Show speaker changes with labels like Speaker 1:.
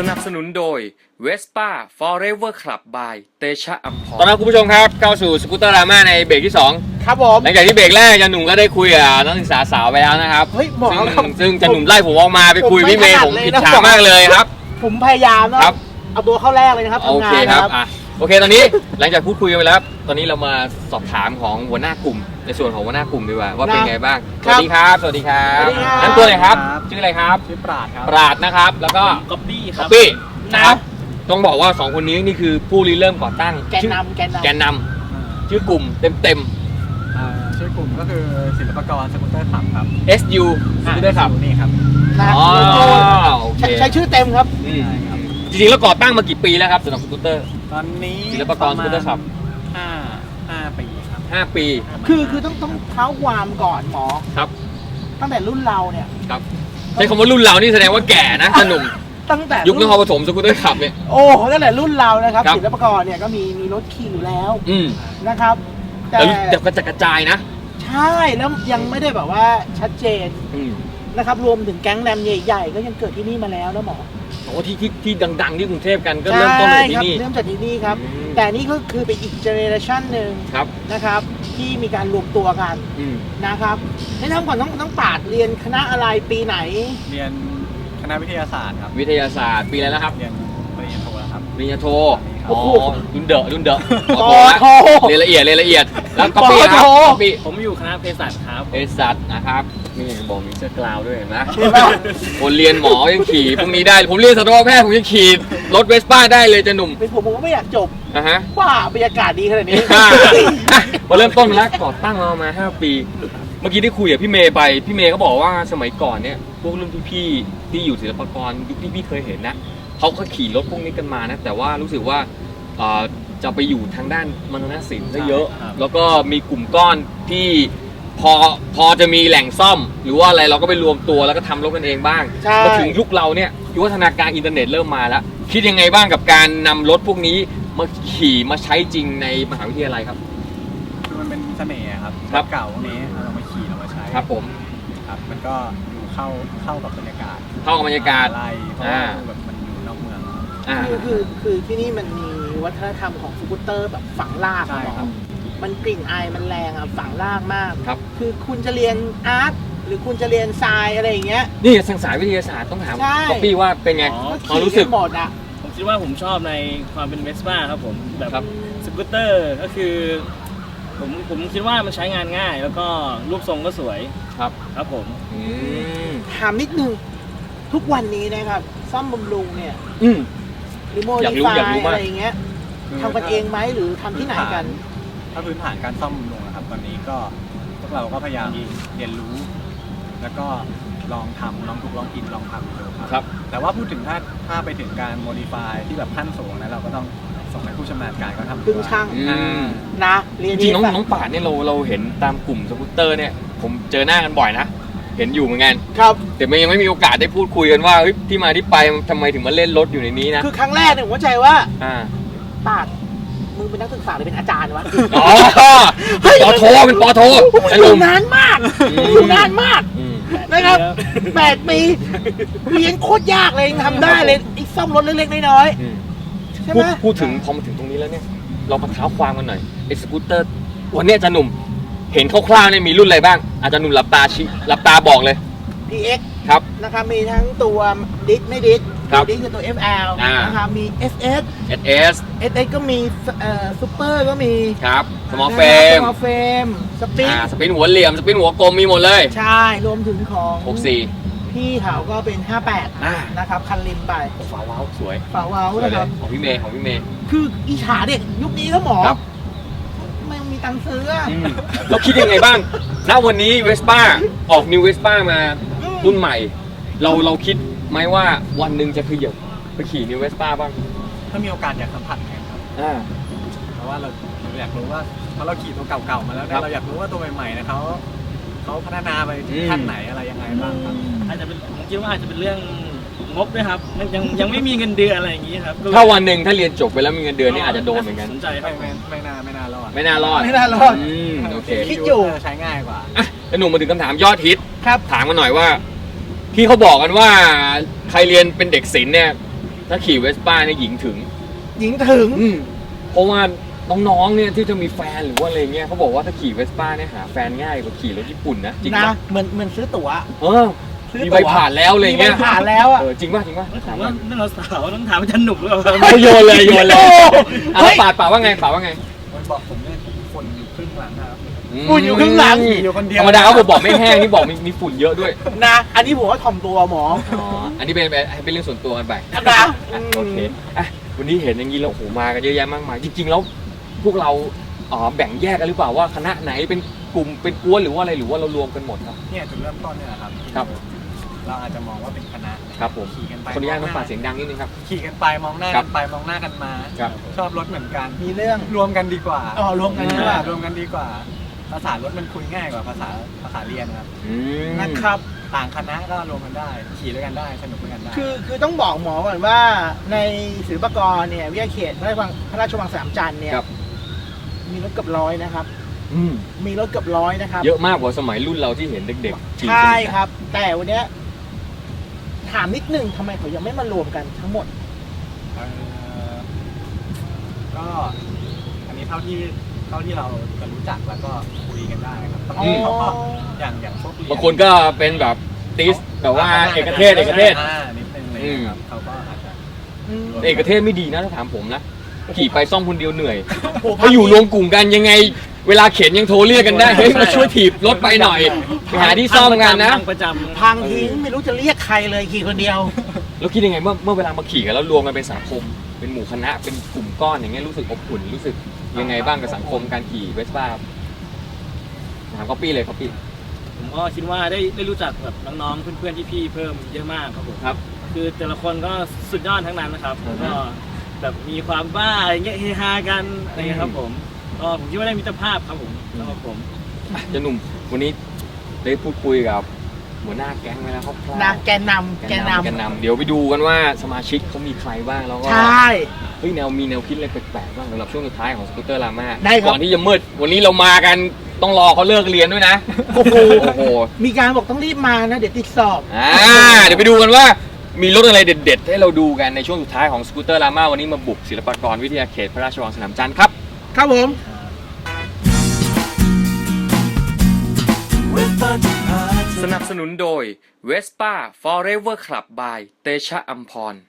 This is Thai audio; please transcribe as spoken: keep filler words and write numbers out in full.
Speaker 1: นับสนุนโดย Vespa Forever Club by เตชะอัมพร
Speaker 2: ตอนนี้คุณผู้ชมครับเข้าสู่สกูตเตอร์ดราม่าในเบรกที่สอง
Speaker 3: ครับผม
Speaker 2: หลังจากที่เบรกแรกจันหนุ่มก็ได้คุยกับนักศึกษาสาวไปแล้วนะครับ
Speaker 3: เฮ้ยหมอ
Speaker 2: ซึ่ง
Speaker 3: ครับ
Speaker 2: ซึ่งจันหนุ่มไล่ผมออกมาไปคุย
Speaker 3: ผม
Speaker 2: พี่เมย์
Speaker 3: ไม่
Speaker 2: ผม
Speaker 3: ถนัดเลย
Speaker 2: ผิด
Speaker 3: นะ
Speaker 2: ฉากมากเลยครับ
Speaker 3: ผมพยายามนะครับ เอาตัวเข้าแรกเลยนะครับ
Speaker 2: โอ
Speaker 3: ทำงา
Speaker 2: เคน ค
Speaker 3: นะ
Speaker 2: รับ
Speaker 3: ครับ
Speaker 2: อ่ะโอเคตอนนี้หลังจากพูดคุยกันไปแล้วตอนนี้เรามาสอบถามของหัวหน้ากลุ่มในส่วนของหัวหน้ากลุ่มดีกว่าว่าเป็นไงบ้างสวัสดีครับสวัสดีครับ
Speaker 3: สวัสดีครับ
Speaker 2: นั่นตัวไหนครับชื่ออะไรครับ
Speaker 4: ชื่อปราดครับ
Speaker 2: ปราดนะครับแล้วก็
Speaker 4: ก๊อปปี้ค
Speaker 2: ป๊
Speaker 4: รั
Speaker 2: อบ ปปี้นะครับต้องบอกว่าสองคนนี้นี่คือผู้ริเริ่มก่อตั้ง
Speaker 3: แกน
Speaker 2: ชื่อน
Speaker 3: ำแกนนำ
Speaker 2: แกนนำชื่อกลุ่มเต็ม
Speaker 4: อ่าชื่อกลุ่มก็คือศิลปากรสกูตเตอร์ขับครับ
Speaker 2: ๆ เอส ยู ชื่อได้ครับ
Speaker 4: นี่ครับ
Speaker 3: นะ
Speaker 2: อ๋อ
Speaker 3: โลโก้
Speaker 2: โอเค
Speaker 3: ใช้ใช้ชื่อเต็มครับ
Speaker 2: อืมจริงๆแล้วก่อตั้งมากี่ปีแล้วครับสำหรับสกูตเตอร์
Speaker 4: ตอนนี้
Speaker 2: ศิลปากรสกูตเตอร์ขับ
Speaker 4: ห้าห้าปีครับ
Speaker 2: ห้าปี
Speaker 3: คือคือต้องต้องเท้าความก่อนหมอ
Speaker 2: ครับ
Speaker 3: ตั้งแต่รุ่นเราเนี่ย
Speaker 2: ครับใช้คำว่ารุ่นเรานี่แสดงว่าแก่นะสนุม
Speaker 3: ตั้งแต่
Speaker 2: ยุคนครปฐมสกูตเตอร์ขับเนี่ย
Speaker 3: โอ้ตั้งแต่รุ่นเรานะครับ
Speaker 2: ครับ
Speaker 3: ศิลปากรเนี่ยก็มีมีรถขี่อยู่แล้ว
Speaker 2: อืม
Speaker 3: นะครับ แต่
Speaker 2: แต่รู้แต่กระจัดกระจายนะ
Speaker 3: ใช่แล้วยังไม่ได้แบบว่าชัดเจน
Speaker 2: อืม
Speaker 3: นะครับรวมถึงแก๊งแรมใหญ่ๆก็ยังเกิดที่นี่มาแล้วนะหมอ
Speaker 2: โอ้ที่ที่ที่ดังๆที่กรุงเทพกันก็เริ่มต้นจากที่นี่
Speaker 3: เริ่มจากที่นี่ครับ
Speaker 2: อืม
Speaker 3: แต่นี่ก็คือเป็นอีกเจเนอเรชันหนึ่ง
Speaker 2: ครับ
Speaker 3: นะครับที่มีการรวมตัวกัน
Speaker 2: อืม
Speaker 3: นะครับแนะนำก่อนต้องต้องปราดเรียนคณะอะไรปีไหน
Speaker 4: เรียนคณะวิทยาศาสตร์ครับ
Speaker 2: วิทยาศาสตร์ปีอะไรแล้วครับ
Speaker 4: เรียนปริญญาโทแล้วครับ
Speaker 2: ปริญญาโท
Speaker 4: โอ้
Speaker 2: อ๋อ
Speaker 4: โห
Speaker 2: รุ่นเดอะรุ่นเดอะ
Speaker 3: ปอโท
Speaker 2: เรียนละเอียดเรียนละเอียดแล้วก็ปี
Speaker 3: ปอ
Speaker 2: ค
Speaker 3: โท
Speaker 2: รับก็ปี
Speaker 4: ผมอยู่คณะเภสัชครับ
Speaker 2: เอสัตนะครับนี่บอกมีเสื้อกลาวด้วยเห็นไหม
Speaker 3: เห็นไหม
Speaker 2: คนเรียนหมอยังขี่พวกนี้ได้ผมเรียนสัตวแพทย์ผมยังขี่รถเวสป้าได้เลยจะหนุ่ม
Speaker 3: เป็นผมผมก็ไม่อยากจบ
Speaker 2: นะฮะ
Speaker 3: ว่าบรรยากาศดีขนาดนี้
Speaker 2: อ่ะมาเริ่มต้นมาแล้วก่อตั้งมาประมาณห้าปี เมื่อกี้ได้คุยกับพี่เมย์ไปพี่เมย์ก็บอกว่าสมัยก่อนเนี่ยพวกรุ่นพี่ๆที่อยู่ศิลปากรยุคที่พี่เคยเห็นนะเขาก็ขี่รถพวกนี้กันมานะแต่ว่ารู้สึกว่าเอ่อจะไปอยู่ทางด้านมรณศิลป์ซะเยอะ
Speaker 4: ครับ
Speaker 2: แล้วก็มีกลุ่มก้อนที่พอพอจะมีแหล่งซ่อม หรือว่าอะไรเราก็ไปรวมตัวแล้วก็ทำรถกันเองบ้าง
Speaker 3: ใช่
Speaker 2: มาถึงยุคเราเนี่ยยุควัฒนาการอินเทอร์เน็ตเริ่มมาแล้ว คิดยังไงบ้างกับการนำรถพวกนี้มาขี่มาใช้จริงในมหาวิทยาลัยครับ
Speaker 4: คือมันเป็นเสน่ห์ครับ
Speaker 2: ครับ
Speaker 4: เก่าพวกนี้เรามาขี่เรามาใช้
Speaker 2: ครับผม
Speaker 4: ครับมันก็อยู่เข้าเข้ากับบรรยากาศ
Speaker 2: เข้ากับบรรยากาศ
Speaker 4: อะไรเพราะ
Speaker 2: อ่า
Speaker 4: ว่าแบบมันอยู่นอกเมือง
Speaker 2: อ่า
Speaker 3: คือคือคือที่นี่มันมีวัฒนธรรมของสกูตเตอร์แบบฝังลาก
Speaker 4: ใช่
Speaker 3: อะหมอ
Speaker 4: ครับ
Speaker 3: มันกลิ่นอายมันแรงอะฝังลากมาก
Speaker 2: ครับ
Speaker 3: คือคุณจะเรียนอาร์ตหรือคุณจะเรียนทรายอะไรอย่างเงี้ย
Speaker 2: นี่ทางสายวิทยาศาสตร์ต้องถาม
Speaker 3: ใช่
Speaker 2: ป๊อปปี้ว่าเป็นไง
Speaker 5: อ๋อ
Speaker 3: ก็
Speaker 2: ความ
Speaker 3: ขี่
Speaker 2: รู้สึ
Speaker 3: กั
Speaker 2: ก
Speaker 3: นหมดอะ
Speaker 5: ผมคิดว่าผมชอบในความเป็นเวสป้าครับผมแบบ
Speaker 2: ครับ
Speaker 5: สกูตเตอร์ก็คือผมผมคิดว่ามันใช้งานง่าย แล้วก็รูปทรงก็สวย
Speaker 2: ครับ
Speaker 5: ครับผม
Speaker 2: อืม
Speaker 3: ถามนิดนึงทุกวันนี้นะครับซ่อมบำรุงเนี่ย
Speaker 2: อืม
Speaker 3: หรือโม
Speaker 2: อยา
Speaker 3: ดิ
Speaker 2: กรู้
Speaker 3: ฟา
Speaker 2: อยากรู้
Speaker 3: ย
Speaker 2: มาก
Speaker 3: อะไรอย่างเงี้ย
Speaker 4: คือ
Speaker 3: ทำกันเองไหมหรือทำที่ไหนกัน
Speaker 4: ถ้าพื้นฐานการซ่อมบำรุงนะครับตอนนี้ก็พวกเราก็พยายามเรียนรู้ แล้วก็ลองทำลองถูกลองกินลองทำดูครับ
Speaker 2: ครับ
Speaker 4: แต่ว่าพูดถึงถ้าถ้าไปถึงการโมดิฟายที่แบบขั้นสูงนะเราก็ต้องส่งให้ผู้ชำนาญการเขาทำ
Speaker 3: พึ่งช่าง
Speaker 2: อื
Speaker 4: อ่าม
Speaker 3: นะเรียน
Speaker 2: จริงๆน้อง
Speaker 3: แบบ
Speaker 2: น้องป่าดเนี่ยเราเราเห็นตามกลุ่มสกูตเตอร์เนี่ยผมเจอหน้ากันบ่อยนะ เห็นอยู่เหมือนกัน
Speaker 3: ครับ
Speaker 2: แต่มันยังไม่มีโอกาสได้พูดคุยกันว่าเฮ้ยที่มาที่ไปทำไมถึงมาเล่นรถอยู่ในนี้นะ
Speaker 3: คือครั้งแรกเนี่ยผมเข้าใจว่า
Speaker 2: อ่า
Speaker 3: ปาดมึงเป็นนักศึกษาหรือเป็นอาจารย์วะ
Speaker 2: อ๋อปอโทเป็นปอโท
Speaker 3: อ
Speaker 2: ไอ้ห
Speaker 3: ยู่
Speaker 2: นุ่ม
Speaker 3: นานมาก
Speaker 2: อืม
Speaker 3: อยู่นานมาก
Speaker 2: อืม
Speaker 3: นะครับแปดปีเรียนโคตรยากเลยยังทำได้เลยไอ้ซ่อมรถเล็กๆน้อย
Speaker 2: อืม
Speaker 3: ๆใช่
Speaker 2: พู
Speaker 3: ไห
Speaker 2: ด
Speaker 3: ม
Speaker 2: พูดถึงพอมาถึงตรงนี้แล้วเนี่ยเรามาเท้าความกันหน่อยไอ้สกูตเตอร์วันเนี้ยอาจารย์หนุ่มเห็นคร่าวๆเนี่ยมีรุ่นอะไรบ้างอาจารย์หนุ่มหลับตาชี้หลับตาบอกเลย
Speaker 3: พี เอ็กซ์
Speaker 2: ครับ
Speaker 3: นะครับมีทั้งตัวดิสไม่ดิส
Speaker 2: ครับ
Speaker 3: ดิสคือตัว เอฟ แอล
Speaker 2: อ่าน
Speaker 3: นะครับมี เอส เอส
Speaker 2: เอสเอส
Speaker 3: เอส เอส ก็มีเอ่อซูเปอร์ก็มี
Speaker 2: ครับสมอลเฟม
Speaker 3: สมอลเฟมสปิน
Speaker 2: อ่าสปินหัวเหลี่ยมสปินหัวกลมมีหมดเลย
Speaker 3: ใช่รวมถึงของ
Speaker 2: หกสี่
Speaker 3: พี่เขาก็เป็นห้าแปด
Speaker 2: อ่า
Speaker 3: นะครับคันริมไป
Speaker 2: ฟ้าวว้าวสวย
Speaker 3: ฝาเว้า
Speaker 2: สวย
Speaker 3: นะ
Speaker 2: เล
Speaker 3: ครั
Speaker 2: ย
Speaker 3: บ
Speaker 2: ของพี่เมย์ของพี่เมย์
Speaker 3: คืออิจฉาเด็กยุคนี้แล้วหมอ
Speaker 2: ครับ
Speaker 3: ไม่มีตังค์ซื้ออะ
Speaker 2: อืมเราคิดยังไงบ้างณวันนี้เวสป้าออกนิวเวสป้ามารุ่นใหม่ เราเราคิดไหมว่าวันหนึ่งจะขยับไปขี่นิวเวสป้าบ้าง
Speaker 4: ถ้ามีโอกาสอยากสัมผัสกันครับ
Speaker 2: อ่า
Speaker 4: เพราะว่าเราเราอยากรู้ว่าเพราะเราขี่ตัวเก่าๆมาแล้ว
Speaker 2: ครั
Speaker 4: เนี่ย
Speaker 2: บ
Speaker 4: เราอยากรู้ว่าตัวใหม่ๆเนะเขาเขาพัฒนาไปถึง
Speaker 2: อืม
Speaker 4: ขั้นไหนอะไรยังไงบ้างครับ
Speaker 5: อาจจะเป็นผมคิดว่าอาจจะเป็นเรื่องงบด้วยครับมันยังยังไม่มีเงินเดือนอะไรอย่างนี้ครับก็เลย
Speaker 2: ถ้าวันหนึ่งถ้าเรียนจบไปแล้วมีเงินเดือนนี่อาจจะโดนเหมือนกัน
Speaker 5: สนใจครั
Speaker 4: ไม่
Speaker 5: บ
Speaker 4: ไม่ไม่น่าไม่น่ารอด
Speaker 2: ไม่น่ารอด
Speaker 3: ไม่น่ารอด
Speaker 2: อืมโอเค
Speaker 3: คิดอยู่
Speaker 4: ใช้ง่ายกว่า
Speaker 2: อ่ะแล้วหนุ่มมาถึงคำถามยอดฮิต
Speaker 3: ครับ
Speaker 2: ถามมาหน่อยว่า ที่เขาบอกกันว่าใครเรียนเป็นเด็กศิลป์เนี่ยถ้าขี่เวสป้าเนี่ยหญิงถึง
Speaker 3: หญิงถึง
Speaker 2: อืมเพราะว่าน้องๆเนี่ยที่จะมีแฟนหรือว่าอะไรเงี้ยเขาบอกว่าถ้าขี่เวสป้าเนี่ยหาแฟนง่ายกว่าขี่รถญี่ปุ่นนะจริง
Speaker 3: นะ
Speaker 2: ปะ
Speaker 3: เหมือนเหมือนซื้อตั๋ว
Speaker 2: เออ
Speaker 3: ซื้อ
Speaker 2: มี
Speaker 3: ตั๋ว
Speaker 2: ใบผ่านแล้วอะไร
Speaker 3: มีใบ
Speaker 2: เงี้ย
Speaker 3: ผ่านแล้วอ่ะ
Speaker 2: เออจริงป่ะจริงป่ะ
Speaker 5: ผม
Speaker 2: ถาม
Speaker 5: ว่า
Speaker 2: ว่า
Speaker 5: เรื่องเราสาวต้องถามอาจารย์หนุ่มหรือเปล่า
Speaker 2: โยนเลยโยนเลย
Speaker 3: เฮ้
Speaker 2: อ่ะ
Speaker 3: ย
Speaker 2: ป่าดป่าดว่าไงป่าดว่าไง
Speaker 4: มันบอกผมเนี่ยฝุ่นอยู่ครึ่งหลังนะครับ
Speaker 3: ฝุ่นอยู่ข้างหลัง
Speaker 4: อยู่คนเดียว
Speaker 2: ธรรมดาเขาบอกไม่แห้งนี่บอกมีมีฝุ่นเยอะด้วย
Speaker 3: นะ อันนี้ผมว่าถ่อมตัวหมอ
Speaker 2: อ๋ออันนี้เป็นเป็นเป็นเรื่องส่วนตัวกันไป
Speaker 3: นะ
Speaker 2: อ่ะโอเคอ่ะวันนี้เห็นอย่างนี้แล้วโอ้โหมากันเยอะแยะมากมายจริงๆแล้วพวกเราอ๋อแบ่งแยกกันหรือเปล่าว่าคณะไหนเป็นกลุ่มเป็นกวนหรือว่าอะไรหรือว่าเรารวมกันหมดครับ
Speaker 4: เนี่ยจุดเริ่มต้นเนี่ยแหละครับ
Speaker 2: ครับ
Speaker 4: เราอาจจะมองว่าเป็นคณะ
Speaker 2: ครับผม
Speaker 4: ขี่กันไป
Speaker 2: คนอนุญาตต้องฝากเสียงดังนิดนึงครับ
Speaker 4: ขี่กันไปมองหน้า
Speaker 2: ครั
Speaker 4: กับ นไปมองหน้ากันมา
Speaker 2: ครับ
Speaker 4: ชอบรถเหมือนกัน
Speaker 3: มีเรื่อง
Speaker 4: รวมกันดีกว่า
Speaker 3: อ๋อรวมกันดีกว่า
Speaker 4: รวมกันดีกว่า ภาษารถมันคุยง่ายกว่าภาษาภาษาเรียนครับ
Speaker 2: อืม
Speaker 3: นะครับ
Speaker 4: ต่างคณะก็รวมกันได้ ขี่ด้วยกันได้สนุกด้วยกันได้
Speaker 3: คือคือต้องบอกหมอก่อนว่าในศิลปากรเนี่ยวิทยาเขตพระราชวังพระราชวังสามจันทร์เนี่ย
Speaker 2: ครับ
Speaker 3: มีรถเกือบร้อยนะครับ
Speaker 2: อืม
Speaker 3: มีรถเกือบร้อยนะครับ
Speaker 2: เยอะมากกว่าสมัยรุ่นเราที่เห็นเด็กๆขี่
Speaker 3: ใช่ครับ แต่วันเนี้ยถามนิดนึงทำไมเขายังไม่มารวมกันทั้งหมด
Speaker 4: เอ่อก็อันนี้เท่าที่เท่าที่เราจะรู้จักแล้วก็คุยกันได้ครับบางทีเขาก็อย่างอย่างพวกเรียน
Speaker 2: บางคนก็เป็นแบบติสแบบว่าเอกเทศเอกเทศ
Speaker 4: อ่านิดนึงเลยนะครับเขาก็อาจจะ
Speaker 3: อืม
Speaker 2: เอกเทศไม่ดีนะถ้าถามผมนะขี่ไปซ่อมคนเดียวเหนื่อย
Speaker 3: โอ้โห
Speaker 2: ถ้าอยู่รวมกลุ่มกันยังไง เวลาเข็นยังโทรเรียกกันได้เฮ้ยมาช่วยถีบรถไปหน่อยไปหาที่ซ่อมกันนะ
Speaker 5: พังประจำ
Speaker 3: พังทิ้งไม่รู้จะเรียกใครเลยขี่คนเดียว
Speaker 2: แล้วคิดยังไงเมื่อเมื่อเวลามาขี่กันแล้วรวมกันเป็นสังคม เป็นหมู่คณะเป็นกลุ่มก้อนอย่างเงี้ยรู้สึกอบอุ่นรู้สึกยังไงบ้างกับสังคมการขี่เวสป้าถามก๊อปปี้เลยก๊อปปี้
Speaker 5: ผมก็คิดว่าได้ได้รู้จักแบบน้องๆเพื่อนๆพี่ๆเพิ่มเยอะมากครับผม
Speaker 2: ครับ
Speaker 5: คือแต่ละคนก็สุดยอดทั้งนั้นนะครับ
Speaker 2: อือฮึ
Speaker 5: ก็แบบมีความบ้าอะไรเงี้ยเฮฮากันอะไรเงี้ยครับผมก็ผมคิดว่าได้มิตรภาพครับผมสำหรับผม
Speaker 2: เจะหนุ่มวันนี้ได้พูดคุยกับหัวหน้าแก๊งไปแล้วครับ
Speaker 3: นะแกนนำ
Speaker 2: แก
Speaker 3: แก
Speaker 2: น
Speaker 3: น
Speaker 2: นำแกน
Speaker 3: นำ
Speaker 2: นำเดี๋ยวไปดูกันว่าสมาชิกเขามีใครบ้างแล้วก็
Speaker 3: ใช่
Speaker 2: เฮ้ยแนวมีแนวคิดอะไรแปลกๆบ้างสำหรับช่วงสุดท้ายของสกูตเตอร์ลาม่า
Speaker 3: ได้ครับ
Speaker 2: ก่อนที่จะมืดวันนี้เรามากันต้องรอเขาเลิกเรียนด้วยนะ
Speaker 3: โอ้โห
Speaker 2: โอ้โห
Speaker 3: มีการบอกต้องรีบมานะ เดี๋ยวติดสอบ
Speaker 2: อ่าเดี๋ยวไปดูกันว่ามีรถอะไรเด็ดๆ ให้เราดูกันในช่วงสุดท้ายของสกูตเตอร์ลาม่าวันนี้มาบุกศิลปากรวิทยาเขตพระราชวังสนามจันทร์ครับ
Speaker 3: ครับผม
Speaker 1: สนับสนุนโดย Vespa Forever Club by เตชะอัมพร